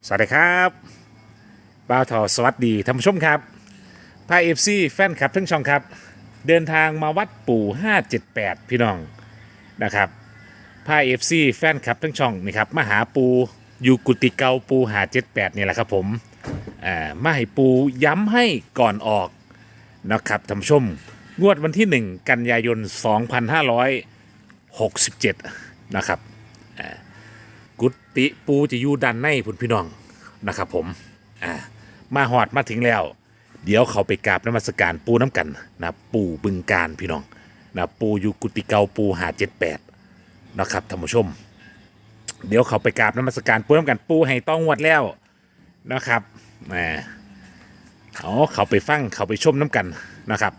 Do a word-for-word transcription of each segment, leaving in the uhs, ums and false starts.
สวัสดีครับบ่าวทอสวัสดีท่านผู้ชมครับพาเอฟซีแฟนคลับทั้งช่องครับเดินทางมาวัดปู่ห้าเจ็ดแปดพี่น้องนะครับพาเอฟซีแฟนคลับทั้งช่องนี่ครับมาหาปูอยู่กุฏิเก่าปูหาเจ็ดแปดนี่แหละครับผมอ่ามาให้ปูย้ำให้ก่อนออกนะครับท่านผู้ชมงวดวันที่หนึ่งกันยายนสองพันห้าร้อยหกสิบเจ็ดนะครับกุฏิปูจะอยู่ด้านในพุ่นพี่น้องนะครับผมอ่ามาหอดมาถึงแล้วเดี๋ยวเขาไปกราบนมัสการปูน้ำกันนะปูบึงการพี่น้องนะปูอยู่กุฏิเก่าปูหาเจ็ดแปดนะครับท่านผู้ชมเดี๋ยวเขาไปกราบนมัสการปูน้ำกันปูให้ต้องงวดแล้วนะครับแหมเอาเขาไปฟังเขาไปชมน้ำกันนะครับ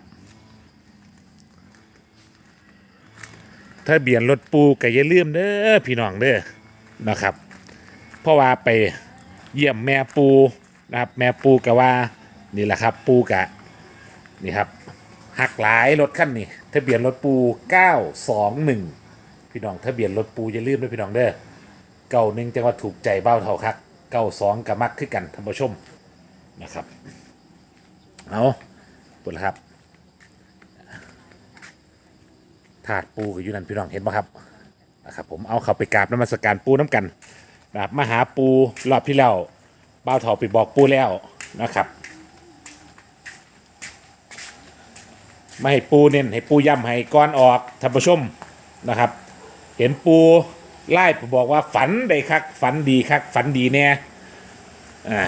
ถ้าเบียนรถปูก็อย่าลืมเด้อพี่น้องเด้อนะครับเพราะว่าไปเยี่ยมแม่ปูนะครับแม่ปูกะว่านี่แหละครับปูกะนี่ครับหักหลายรถขั้นนี่ทะเบียนรถปูเก้าสองหนึ่งพี่น้องทะเบียนรถปูอย่าลืมด้วยพี่น้องเด้อเก้าหนึ่งจังว่าถูกใจเบ้าเท่าคักเก้าสองกับมักขึ้นกันท่านผู้ชมนะครับเอาปุ่นละครับถาดปูกับยูนันพี่น้องเห็นไหมครับนะครับผมเอาเขาไปกราบนมัสการปูน้ำกันนะครับมาหาปูรอบที่แล้วเบ้าเท่าไปบอกปูแล้วนะครับมาให้ปูเน้นให้ปูย้ำให้ก้อนออกท่านผู้ชมนะครับเห็นปูไล่ปูบอกว่าฝันได้คักฝันดีคักฝันดีแน่อ่าง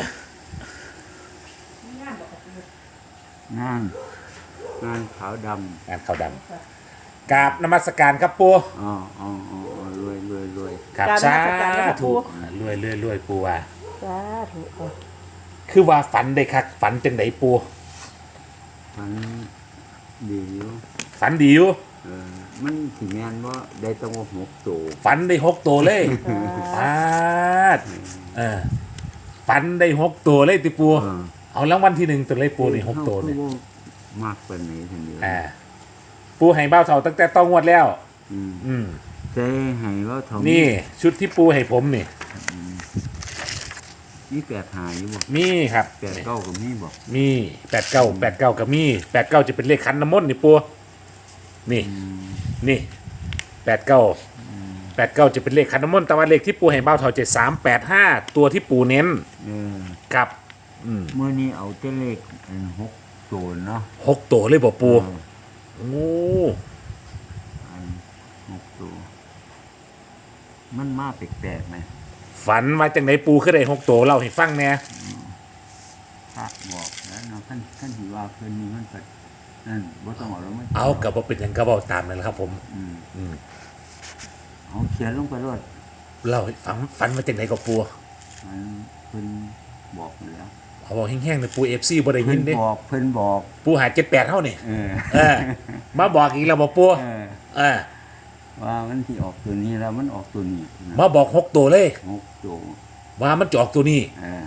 านงานขาวดำงานขาวดำกราบนมัสการครับปูอ๋ออ๋ออ๋อรวยรวยรวยครับกราบนสามัสการครับธุปู่รวยรวยรวยปูว่าสาธุค่ะคือว่าฝันได้คักฝันจังไดปูมันดีอยู่ฝันดีอยู่เออมันถึงงานว่าได้ต้องว่าหกตัวฝันได้หกตัวเลยปาดเออฝันได้หกตัวเลยติปูเออเอารางวัลที่หนึ่งตัวเลยปูนี่หกตัวนี่เขาก็มากเป็นนี้ทีเดียวอ่าปูให้เบ้าเท่าตั้งแต่ต้องงวดแล้วอืมอืมใจให้ว่าทอมนี่ชุดที่ปูให้ผมนี่นี่แปดหายอยู่บ่มีครับแปดเก้ากับนี่บอกมีแปดเก้าแปดเก้ากับมีแปดเก้าจะเป็นเลขคันน้ำมนต์นี่ปูนี่นี่แปดเก้าแปดเก้าจะเป็นเลขคันน้ำมนต์แต่ว่าเลขที่ปูให้เบ้าเท่าเจ็ดสามแปดห้าตัวที่ปูเน้นเออกับอืมเมื่อนี้เอาเจ้าเลขอันหกตัวเนาะหกตัวเลยบ่ปูเออโอ้อันหกตัวมันมาแปลกๆไหมฝันมาจากไหนปูขึ้นได้หกตัวเล่าให้ฟังแน่ภาคบอกแล้วเนาะขั้นขั้นที่ว่าเพิ่นนี่มันเปิดนั่นบ่ต้องเอาแล้วมันเอากับว่าเป็นหยังก็บอกตามนั่นแหละครับผมอืมอืมเอาเขียนลงไปรถเล่าให้ฟังฝันมาจากไหนกับปูมันเพิ่นบอกอยู่แล้วเอาบอกแห้งๆเลยปูเอฟซีบ่ได้ยิเพิ่นนเด้บอกเพิ่นบอกปูหาเจ็ดแปดเท่านี่เออเออ มาบอกอีกแล้วบอกปูเออเออว่ามันที่ออกตัวนี้แล้วมันออกตัวนี้นะมาบอกหกตัวเลยหกตัวว่ามันจะออกตัวนี้เออ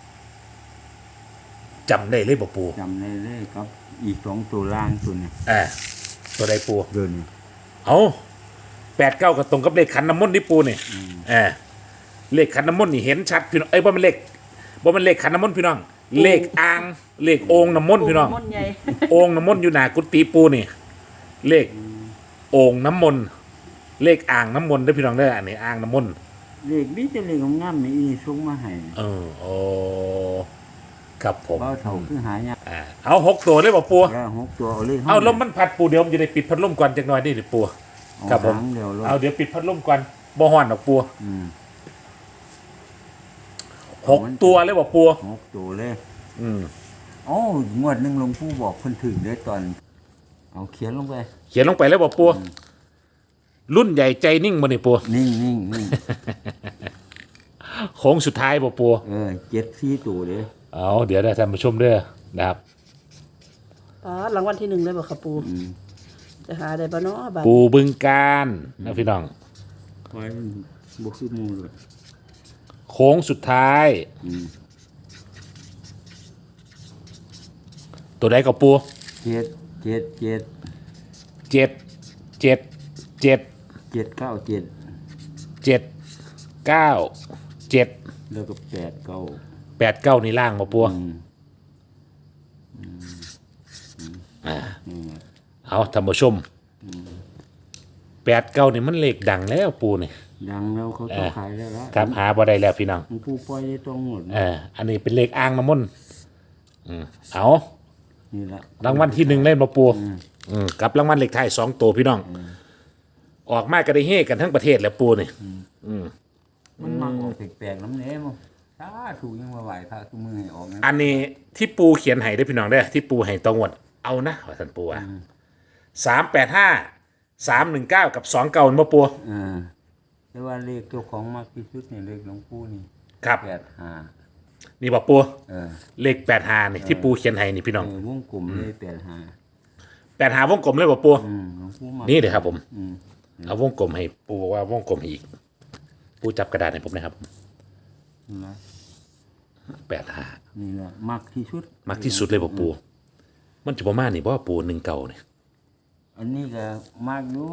จำได้เลยบอกปูจำได้เลยครับ อีกสองตัวล่างตัวนี้เออตัวใดปูเดินนี่เอาแปดเก้าก็ตรงกับเลขขันน้ำมนต์ที่ปูนี่อืมเออเลขขันน้ำมนต์นี่เห็นชัดพี่น้องเอ้ยว่ามันเลขว่ามันเลขขันน้ำมนต์พี่น้อง เลขอ่างเลขโอ่งน้ำมนต์พี่น้องมนต์ใหญ่โอ่งน้ำมนต์อยู่หนากุฏิปูนี่ เลขโอ่งน้ำมนต์เลขอ่างน้ำมนต์ได้อพี่น้องได้ออันนี้อ่างน้ำมนต์เลขนี้จะเลขงามๆนี่อีส่งมาให้เออโอ้ครับผมเบาเท่าคือหายากอ่าเอาหกตัวเลยบอกปูแล้วหกตัวเอาเลยเอาลมมันพัดปูเดี๋ยวผมจะได้ปิดพัดลมก่อนจักหน่อยนี่หรือปูครับผมเดี๋ยวเอาเดี๋ยวปิดพัดลมก่อนบ่ฮ้อนดอกปูอืมหกตัวเลยบอกปูหกตัวเลยอืมโอ้งวดหนึ่งหลวงปู่บอกเพิ่นถึงได้ตอน เอาเขียนลงไปเขียนลงไปเลยบอกปูรุ่นใหญ่ใจนิ่งบ่นี่ปูนิ่งนิ่งนิ่งโค้งสุดท้ายบอกปูเออเจ็ดสี่ตัวเด้อเอาเดี๋ยวได้ท่านผู้ชมเด้อนะครับอ๋อรางวัลที่หนึ่งได้บ่ค่ะปูอืมจะหาได้บ่เนาะบัดปูบึงการนะพี่น้องไว้บวกสิบโมงเลยโค้งสุดท้ายอืมตัวใดกับปูเจ็ดเจ็ดเจ็ดเจ็ดเจ็ดเจ็ดเจ็ดเก้าเจ็ดเจ็ดเก้าเจ็ดอแล้วก็แปดเก้าแปดเก้านี่ล่างบ่ปูอืมอ่านี่ไงเอาท่านผู้ชมแปดเก้านี่มันเลขดังแล้วปูนี่ดังแล้วเขาต้องขายแล้วละครับหาบ่ได้แล้วพี่น้องหลวงปู่ปล่อยได้ตรงหมดเอออันนี้เป็นเลขอ่างน้ำมนต์อืมเอานี่ละรางวัลที่หนึ่งเล่นมาปูอืมกับรางวัลเลขไทายสองตัวพี่น้อง ออกมาก็ได้เฮกันทั้งประเทศแล้วปูนี่มันมักออกแปลกๆน้ำเนี้ยมั้งถ้าถูกยังมาไหวพระทุกมือให้ออกนะอันนี้ที่ปูเขียนให้ได้อพี่น้องได้อที่ปูให้ตองวดเอานะว่าท่านปูอ่ะสามแปดห้าสามหนึ่งเก้ากับสองเก้ามาปูอ่าแต่ว่าเลขเจ้าของมากที่สุดเนี่ยเลขหลวงปู่นี่ครับแปดห้านี่บอกปูเออเลขแปดหานี่ที่ปูเขียนให้นี่พี่น้องเออวงกลมเลยแปดห้าแปดหาวงกลมเลยบอกปูอืมหลวงปู่มากนี่เดี๋ยวครับผมอืมเอาวงกลมให้ปูบอกว่าวงกลมให้อีก ปูจับกระดาษให้ผมนะครับนี่ละแปดหานี่ละมากที่สุดมักที่สุดเลยบอกปู มันจะประมาณนี่เพราะว่าปูหนึ่งเก่าเนี่ยอันนี้ก็มากอยู่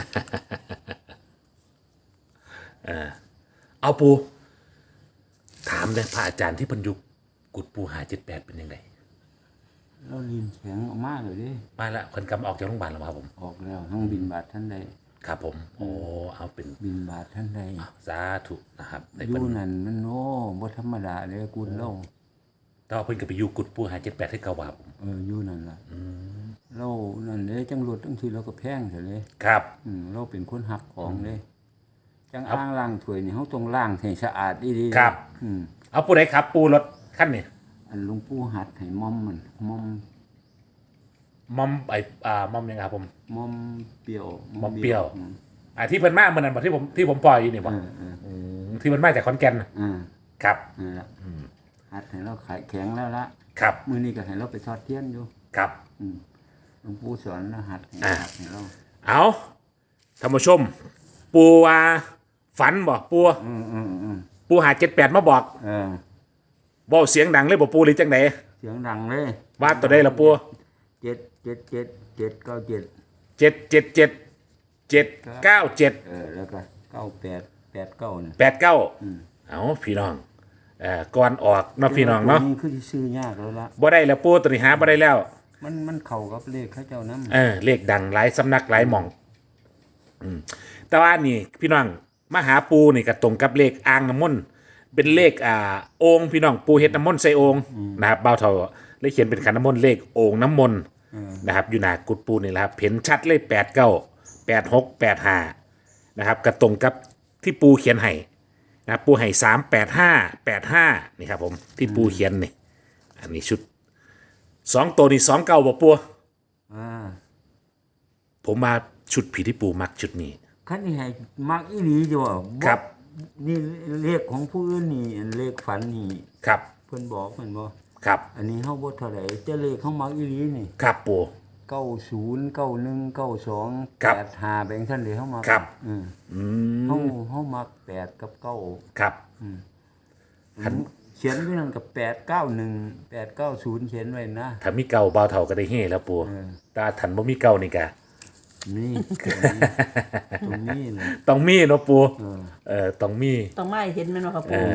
เอาปู ถามเลยพระอาจารย์ที่บรรยุกกุดปูหาเจ็ดแปดเป็นยังไงเราลินแข็งออกมากเลยดิมาละคนกำออกจากโรงพยาบาลแล้วครับผมออกแล้วทั้งบินบาทท่านใดครับผม โอ้เอาเป็นบินบาทท่านใดสาธุนะครับในอเพิ่ยู่นนั่นมันโอ้บ่ธรรมดาเลยกุลเล่าแต่ว่าเพิ่นก็ไปอยู่กุดปูหาเจ็ดแปดให้เก่าว่าผมเอออยู่นั่นล่ะเรานั่นเลยจังรถจังทีเราก็แพงเสียเลยครับอืมเราเป็นคนหักของเลยจังอ่างล้างถ้วยนี่เขาต้องล้างให้สะอาดดีๆครับอืมเอาปูไหนครับ ปูรถขั้นนี่อันหลวงปู่หัดให้มอมมันมอมมอมไออ่ามอมยังไงครับผมมอมเปรี้ยวมอมเปรี้ยวอืมอ่าที่เพิ่นมาเมื่อนั้นบอกที่ผมที่ผมปล่อยอยู่นี่บเออกอเออที่มันมาจากขอนแก่นน่ะอ่าครับนั่นละหัดให้เราขายแข็งแล้วละครับมื้อนี้ก็ให้เราไปทอดเทียนอยู่ครับอืมหลวงปู่สอนรหัสให้อ่าหัดให้เราเอาท่านผู้ชม ปูว่าฝันบอกปูอืมอืมอืมปูหาเจ็ดแปดมาบอกเออบอกเสียงดังเลยบอกปูหรือจังไหนเสียงดังเลยว่าตัวใดละปูเจ็ดเจ็ดเจ็ดเจ็ดเก้าเจ็ดเจ็ดเจ็ดเจ็ดเจ็ดเก้าเจ็ดเออแล้วก็เก้าแปดแปดเก้าเนี่ยแปดเก้าอืมเอาพี่น้องเอ่อก่อนออกเนาะพี่น้องเนาะตัวคือสิซื้อยากแล้วละบ่ได้แล้วปูตัวนี้หาบ่ได้แล้วมันมันเข้ากับเลขเขาเจ้าน้ำเออเลขดังหลายสำนักหลายหม่องอืมแต่ว่านี่พี่น้องมาหาปูนี่ก็ตรงกับเลขอ่างน้ำมนต์เป็นเลขอ่าโองค์พี่น้องปูเฮ็ดน้ำมนต์ใส่โองค์นะครับเบาเท่าเลยเขียนเป็นขันน้ำมนต์เลขโองค์น้ำมนต์นะครับอยู่หน้ากุดปูนี่แหละครับเห็นชัดเลยแปดเก้าแปดหกแปดห้านะครับก็ตรงกับที่ปูเขียนให้นะครับปูให้สามแปดห้าแปดห้านี่ครับผมที่ปูเขียนนี่อันนี้ชุดสองตัวนี่สองเก้าบ่ปูอ่าผมมาชุดผีที่ปูมักชุดนี้คันนี้ให้มักอีหลีจ้ะครับนี่เลขของผู้อื่นนี่อันเลขฝันนี่ครับเพิ่นบอกเพิ่นบ่ครับอันนี้เฮาบ่เท่าไหร่แต่เลขเขามักอีหลีนี่ครับปูเก้าศูนย์ เก้าหนึ่ง เก้าสองครับแปดห้าแบ่งท่านเลยเฮามักครับอืมอืเฮาม เฮามักแปดกับเก้าครับผมเขียนไว้นั่นกับแปดเก้าหนึ่งแปดเก้าศูนย์เขียนไว้นะถ้ามีเก่าเบาเท่าก็ได้เฮ่แล้วปูเออแต่ถ้าบ่มีเก่านี่กะนี่ตรงนี้เลยต้องมีเนาะปูเออเออต้องมีต้องไม่เห็นแม่นบ่ครับเอปูอ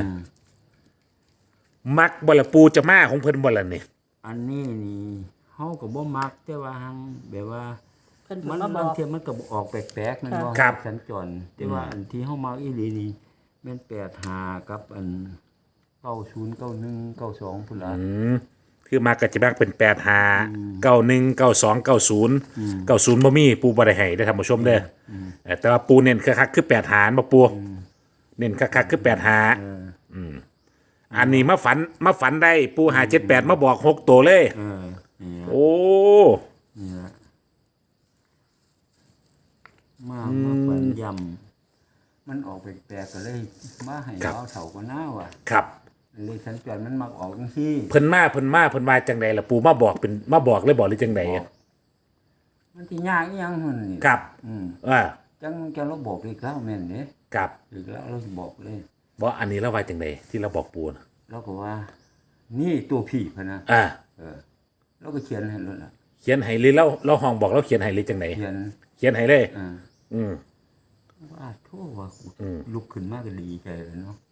มักบ่ละปูจะมาของเพิ่นบ่ละนี่อันนี้นี่เฮาก็บ่มักแต่ว่าหังแบบว่าเพิ่นมันมาบบาอง กเทียมันก็ออกแปลกๆนั่นบ่ครับสัญจรแต่ว่าอันที่เฮามักอีหลีนี่แม่นแปดห้ากับอันเก้าศูนย์ เก้าหนึ่ง เก้าสองพุ่นล่ะอืมคือมักก็จะมักเป็นแปดห้า เก้าหนึ่ง เก้าสอง เก้าศูนย์ เก้าศูนย์บ่มีปูบ่ได้ให้ได้อท่านผู้ชมเด้ออเออแต่ว่าปูเน้นคักๆคือแปดหารบ่ปูเน้นคักๆคือแปดหาเอออันนี้มาฝันมาฝันได้ปูหาเจ็ดแปดมาบอกหกตัวเลยเออนี่ล่ะโอ้นี่ล่ะมามาฝันยำมันออกแปลกๆก็เลยมาให้เอาเฒ่าก็น่าว่ะครับเลขสัญจรมันมักออกจังซี่เพิ่นมาเพิ่นมาเพิ่นว่าจังใดล่ะปูมาบอกเป็นมาบอกเลยบอกหรือจังใดอะมันสิยากอีหยังหั่นนี่ครับอืมว่าจังจังเราบอกอีกแล้วแม่นเด้ครับอีกแล้วเราบอกเลยบ่อันนี้เราว่าจังใดที่เราบอกปูนะเราก็ว่า นี่ตัวพี่พะนะอ่าเออเราก็เขียนให้แล้วล่ะเขียนให้เลยเราเราห้องบอกเราเขียนให้เลยจังใดเขียนเขียนให้เลยอ่าอืมว่าโทษว่าอืมลุกขึ้นมาก็ดีใจเลยเนาะ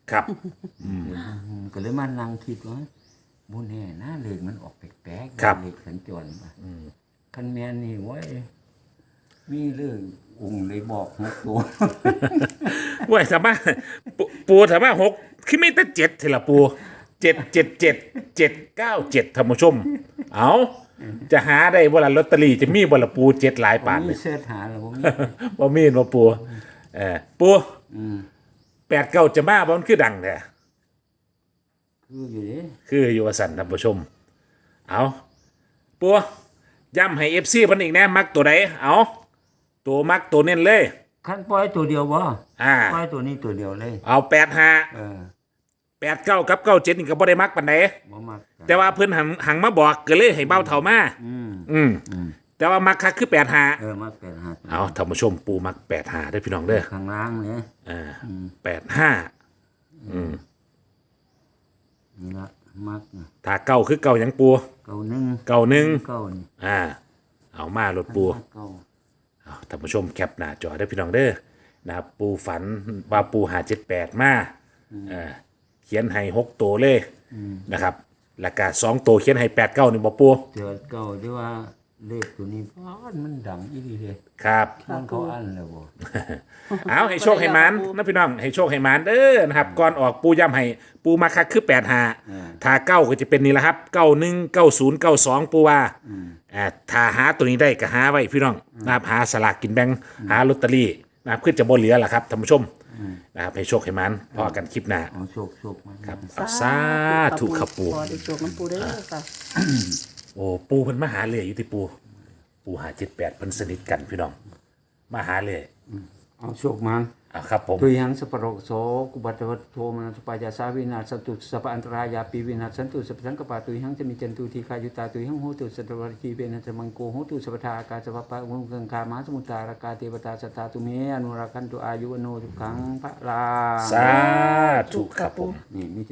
ครับก็เลยมานั่งคิดว่าบุญแน่นะเลขมันออกแปลกๆครับเลขสัญจรมาคันแมนนี่ไว้ยมีเรื่ององค์เลยบอกหกตัวเว้ยถามว่าปูปูถามว่าหกคือไม่แต่เจ็ดเทละปูเจ็ดเจ็ดเจ็ดเจ็ดเก้าเจ็ดท่านผู้ชม เอาจะหาได้บ่ละลอตเตอรี่จะมีบ่ละปูเจ็ดหลายปานเลมียเสื้อหาแล้วผมมีบ่มีบ่ปูเออปูอืมแปดเก้าจะมาบ่มันคือดังแท้คืออยู่เด้คืออยู่ว่าสั่นท่านผู้ชม เอาปูย้ำให้ เอฟ ซี เพิ่นอีกแน่มักตัวใดเอาตัวมักตัวเน้นเลยคันปล่อยตัวเดียวบ่อ่าปล่อยตัวนี้ตัวเดียวเลยเอาแปดห้าเออแปดเก้ากับเก้าเจ็ดนี่ก็บ่ได้มักปานใดบ่มักกันแต่ว่าเพิ่นหังหังมาบอกก็เลยให้เบ้าเท่ามาอืมอืมอืมแต่ว่ามักคักคือแปดห้าเออมักแปดหาเอาท่านผู้ชมปูมักแปดห้าได้อพี่น้องเด้อข้างล่างเนี่ยอ่าแปดห้าอืมนี่ละมักน่ะถ้าเก้าคือเก้าหยังปูเก้าหนึ่งเก้าหนึ่งเก้านี่อ่า เอามาลดปูเก้าเอาท่านผู้ชมแคปหน้าจอได้อพี่น้องเด้อนะครับปูฝันว่าปูหาเจ็ดแปดมาเอ่าเขียนให้หกตัวเลยนะครับแล้วก็สองตัวเขียนให้แปดเก้านี่บ่ปูเจอเก้าที่ว่าเลขตัวนี้ป้านมันดังอีหลีเลยครับมันเขาอันแล้วบ่เอาให้โชคให้หมันนะพี่น้องให้โชคให้หมันเด้อนะครับก่อนออกปูย้ำให้ปูมาคักคือแปดหาถ้าเก้าก็จะเป็นนี่แหละครับเก้าหนึ่งเก้าศูนย์เก้าสองปูว่าอ่าถ้าหาตัวนี้ได้ก็หาไว้พี่น้องนะครับหาสลากกินแบ่งหาลอตเตอรี่นะครับขึ้นจะบ่เหลือล่ะครับท่านผู้ชมนะครับให้โชคให้หมันพอกันคลิปหน้าเอาโชคโชคมาครับเอาสาธุครับปูพอได้โชคน้ำปูเด้อค่ะโอ้ปูเพิ่นมาหาเลยอยู่ที่ปูปูหาเจ็ดแปดเพิ่นสนิทกันพี่น้องมาหาเลยเอาโชคมาอ่าครับผมตุยังสัพพะโรโสกุบัตวัตโทมนัสปายาสาวินาศสันตุสัพพะอันตรายาปีวินาศสันตุสัพพสังกปาตุยังจะมีจันตุทีคายุตาตุยังโหตุสัตวรคีเวนะจะมังโกโหตุสัพพทาอากาศสัพพะอุงกังคามหาสมุตตารากาเทวตาสัทธาตุเมอนุราคันตุอายุวโนทุกขังพระลาสาธุครับผมนี่มี